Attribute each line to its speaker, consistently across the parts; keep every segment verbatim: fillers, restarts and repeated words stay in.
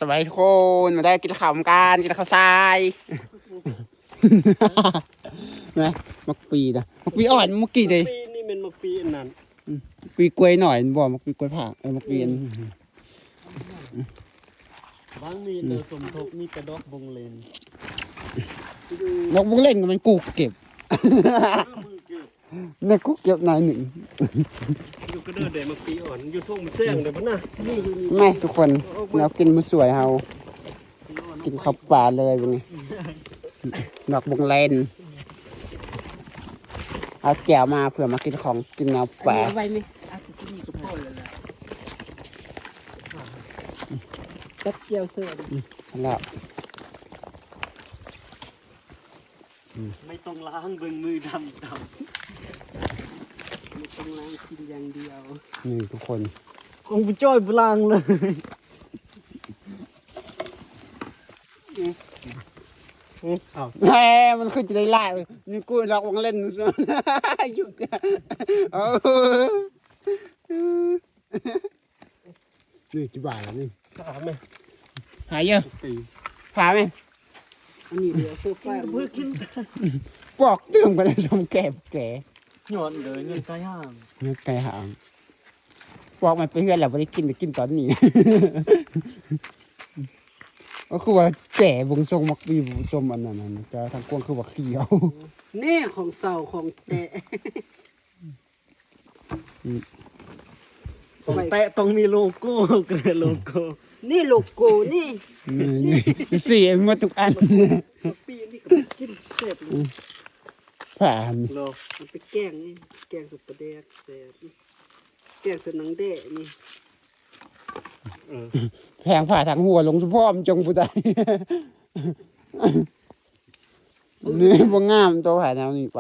Speaker 1: สบายทุกคนมาได้กินข้าวกันกินข้าวทรายนะมักปีนะมักปีอ่อนมักกี่เลย
Speaker 2: ปีนี่เป็นมักปีอันนั้น
Speaker 1: ปีกล้วยหน่อยบ่มักปีกล้วยผักเออมักปีน
Speaker 2: บางมีเนอสมทบมีกระดอกบงเลน
Speaker 1: นกบุ้งเล่นมันกูเก็บเนี่ยกูเก็บนายหนึ่ง
Speaker 2: อยู่ก็เดินเดี๋ยวมักปีอ่อนอยู่ทุ่งมันแซงเดี๋ยวมันน่ะ
Speaker 1: ไม่ทุกคนเรากินมันสวยเฮากินข้าวปลาเลยเป็นไงนกบุ้งเล่นเอาแก้วมาเผื่อมากินของกินเนื้อปลา
Speaker 3: ไว้ไหมอาจจะกินกับพ่อเลยล่ะจับเจียวเสือ
Speaker 1: แล้ว
Speaker 2: ไม่ต้องล้างเบิ่งมือดำดำ
Speaker 3: ไม่ต้องล้างกินอย่างเดียว
Speaker 1: นี่ทุกคน
Speaker 2: คงไปจ้อยบล้างเลยอ้าว
Speaker 1: แหมมันขึ้นจะได้ไล่นี่กูรักวังเล่นหยุดเออนี่จีบาแล้วนี่
Speaker 2: หาไหม
Speaker 1: หายเยอะหาไหม
Speaker 3: อันนี้เดี๋ยวเสื้อฟ้า
Speaker 2: เพื่อกิน
Speaker 1: ปอกตื่มกันเลยสมแก่แก่
Speaker 2: หย่อนเลยเงินไก่ห่าง
Speaker 1: เงินไก่ห่างปอกมันไปเพื่อนเราไม่ได้กินไปกินตอนนี้ก็คือว่าแก่วงทรงมักปีวงทรงอันนั้นนะจะทางกวางคือว่าเขียว
Speaker 3: นี่ของเสาของแตะ
Speaker 2: ของแตะต้องมีโลโก้กันโลโก้
Speaker 3: นี่โลโก้นี่
Speaker 1: นี่สี่มาทุกอัน
Speaker 3: ปีนี่ก็กินเสพ
Speaker 1: ผ่าน
Speaker 3: โลมันไปแกงนี่แกงสุดประเดกเสพแกงสุดหนังเดะนี่
Speaker 1: แพงผ่าทางหัวลงสุพ่อมจงผู้ใดนี่บ่งามตัวผ่าแนวนี้ไป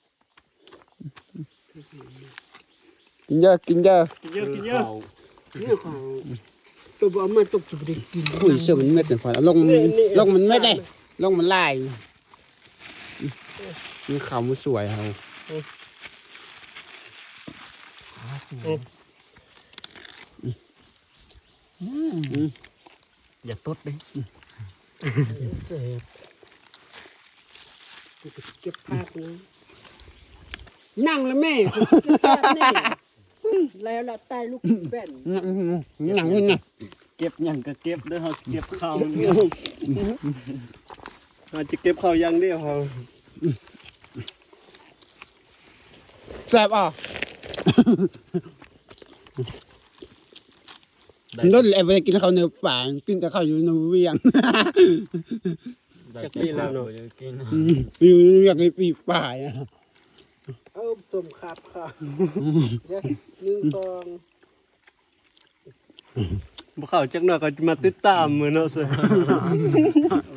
Speaker 1: กินเยอะกินเยอะ
Speaker 2: กินเยอะกินเยอะ
Speaker 3: นี่ของตัวบ่มาตกจุดกิน
Speaker 1: คุยเชื่อมันเม็ดแต่พอลงลงมันไม่ได้ลงมันลายนี่เขามันสวยเขา
Speaker 2: อย่าตดเลย
Speaker 3: เสพเก็บภาพนะนั่งแล้วแม่เก็บภาพนี่แล้วเราตายลูกแป้น
Speaker 1: หนังนี่ไง
Speaker 2: เก็บอย่างก็เก็บเด้อเขาเก็บข้าวเนี่ยเราจะเก็บข้าวยังเดียวเขา
Speaker 1: แซ่บอ่ะนุ่นเลยไปกินข้าวเนื้อป่ากินแต่ข้าวอยู่ในเวียง
Speaker 2: จะปีแล้วเนาะ
Speaker 1: อยู่ในเวียงในปีป่าอ่ะ
Speaker 3: เอาสมขับค่ะหนึ่งสอง
Speaker 2: บุเขาจักหน่อยก็จะมาติดตามมือเนาะสิ